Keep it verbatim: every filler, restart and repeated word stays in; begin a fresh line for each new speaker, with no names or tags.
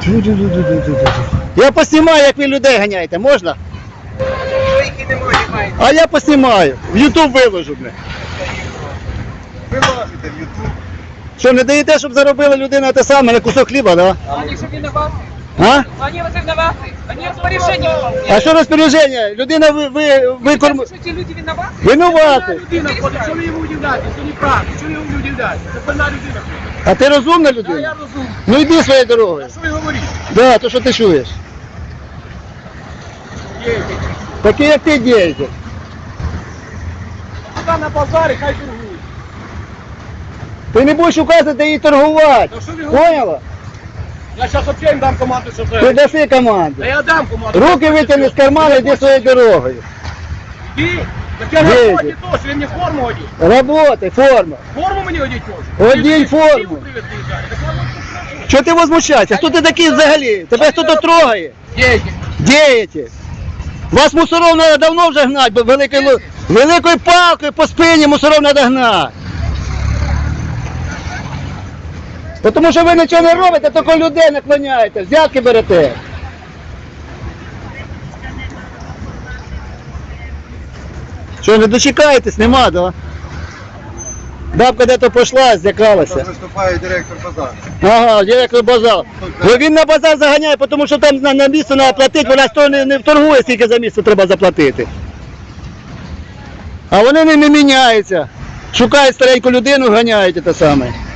Я поснімаю, як ви людей ганяєте, можна?
Які немає, немає.
А я поснімаю. В Ютуб виложу, бля.
Вилазите в Ютуб.
Що, не даєте, щоб заробила людина те саме на кусок хліба, да?
Они же виноваты.
А?
Они вот виноваты. Они распоряжение выполняют.
А що розпорядження? Людина ви, ви, ви корм...
Что эти люди виноваты?
Винувати.
Людина ходить, що ви йому удивляєте? Це неправда, що ви йому удивляєте? Це певна людина.
А ти розумна
А
людина?
я розумію.
Ну йди своєю дорогою.
Що ви говорите?
Да, то що ти чуєш?
Є.
Такі як ти дієте.
Туди на базарі, хай торгують.
Ти не будеш указувати їй торгувати.
Та що ви говорите?
Поняла?
Я зараз взагалі їм дам команду, що
Ти
це.
даси команду.
Та я дам команду.
Руки витягни з кармана, йди своєю дорогою.
Іди. Так я на
Є.
роботі теж, ви мені форму одіть.
Работай, форма.
Форму мені одіть теж.
Одінь
Ви ж
форму.
Київ привезли зараз. Так я от тут
Чого ти возмущаєшся? Хто ти такий взагалі? Тебе хто тут трогає?
Діти.
Дієте. Вас мусоров треба давно вже гнати, бо великою, лу- великою палкою по спині мусоров треба гнати. Бо Тому що ви нічого не робите, тільки людей наклоняєте, взятки берете. Що, не дочекаєтесь? Нема, да? Бабка де-то пішла, злякалася.
Там виступає директор базару.
Ага, директор базар. Бо він на базар заганяє, тому що там на, на місце треба платити, вона ж то не, не вторгує, скільки за місце треба заплатити. А вони не, не міняються. Шукають стареньку людину, ганяють те саме.